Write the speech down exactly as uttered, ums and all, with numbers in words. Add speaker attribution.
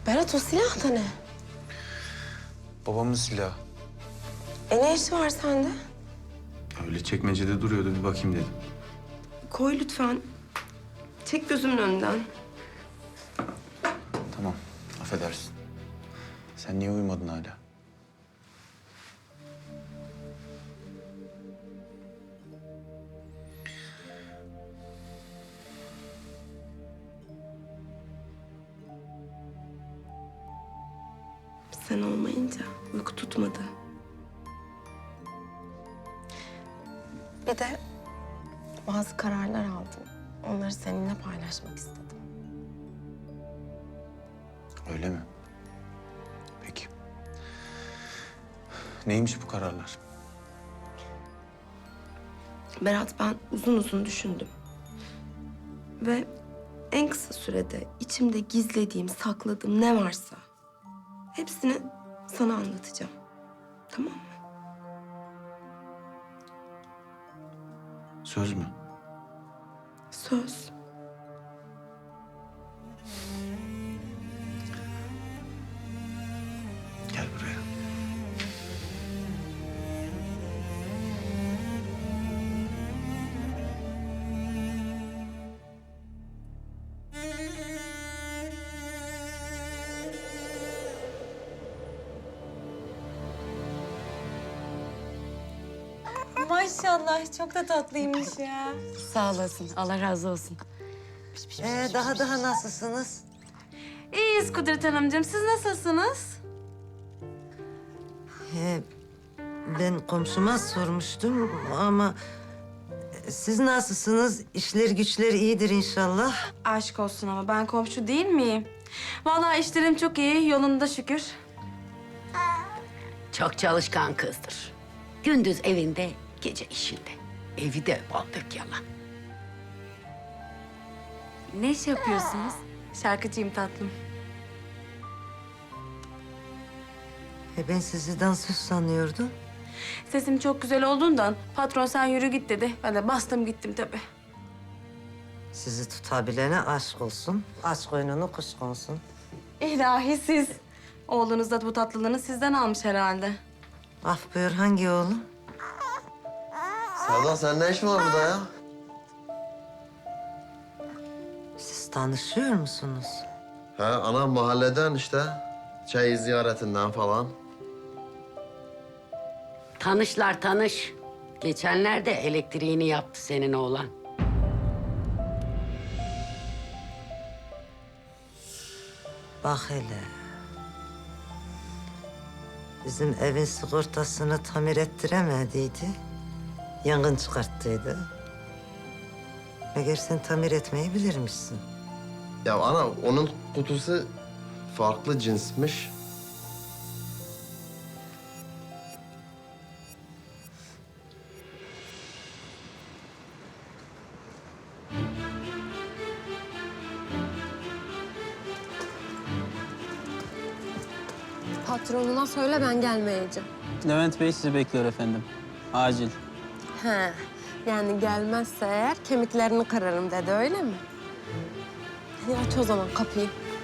Speaker 1: Berat o silah da ne?
Speaker 2: Babamın silahı.
Speaker 1: E ne işi var sende?
Speaker 2: Öyle çekmecede duruyordu, bir bakayım dedim.
Speaker 1: Koy lütfen. Çek gözümün önünden.
Speaker 2: Tamam, affedersin. Sen niye uyumadın hala?
Speaker 1: Sen olmayınca uyku tutmadı. Bir de bazı kararlar aldım. Onları seninle paylaşmak istedim.
Speaker 2: Öyle mi? Peki. Neymiş bu kararlar?
Speaker 1: Berat, ben uzun uzun düşündüm. Ve en kısa sürede içimde gizlediğim, sakladığım ne varsa hepsini sana anlatacağım. Tamam mı?
Speaker 2: Söz mü?
Speaker 1: Söz.
Speaker 2: Gel buraya.
Speaker 3: Maşallah çok da tatlıymış ya.
Speaker 4: Sağ olasın. Allah razı olsun.
Speaker 5: Ee, daha daha nasılsınız?
Speaker 3: İyiyiz Kudret Hanımcığım. Siz nasılsınız?
Speaker 5: Ee, ben komşuma sormuştum ama siz nasılsınız? İşler güçler iyidir inşallah.
Speaker 3: Aşk olsun ama ben komşu değil miyim? Vallahi işlerim çok iyi, yolunda şükür.
Speaker 4: Çok çalışkan kızdır. Gündüz evinde, gece işinde. Evi de bal dök yalan.
Speaker 3: Ne iş yapıyorsunuz? Şarkıcıyım tatlım.
Speaker 5: E, ben sizi dansöz sanıyordum.
Speaker 3: Sesim çok güzel olduğundan patron sen yürü git dedi. Ben de bastım gittim tabii.
Speaker 5: Sizi tutabilene aşk olsun. Aşk oyununu kuş konsun.
Speaker 3: İlahi siz. Oğlunuz da bu tatlılığını sizden almış herhalde.
Speaker 5: Af buyur, hangi oğlum?
Speaker 6: Serdar sen ne işin var burada ya?
Speaker 5: Siz tanışıyor musunuz?
Speaker 6: He ana mahalleden işte. Çay ziyaretinden falan.
Speaker 4: Tanışlar tanış. Geçenlerde elektriğini yaptı senin oğlan.
Speaker 5: Bak hele. Bizim evin sigortasını tamir ettiremediydi. Yangın çıkarttıydı. Meğer sen tamir etmeyi bilirmişsin.
Speaker 6: Ya ana onun kutusu farklı cinsmiş.
Speaker 1: Patronuna söyle, ben gelmeyeceğim.
Speaker 7: Levent Bey sizi bekliyor efendim. Acil.
Speaker 1: He, yani gelmezse eğer kemiklerini kırarım dedi, öyle mi? Hadi aç o zaman kapıyı.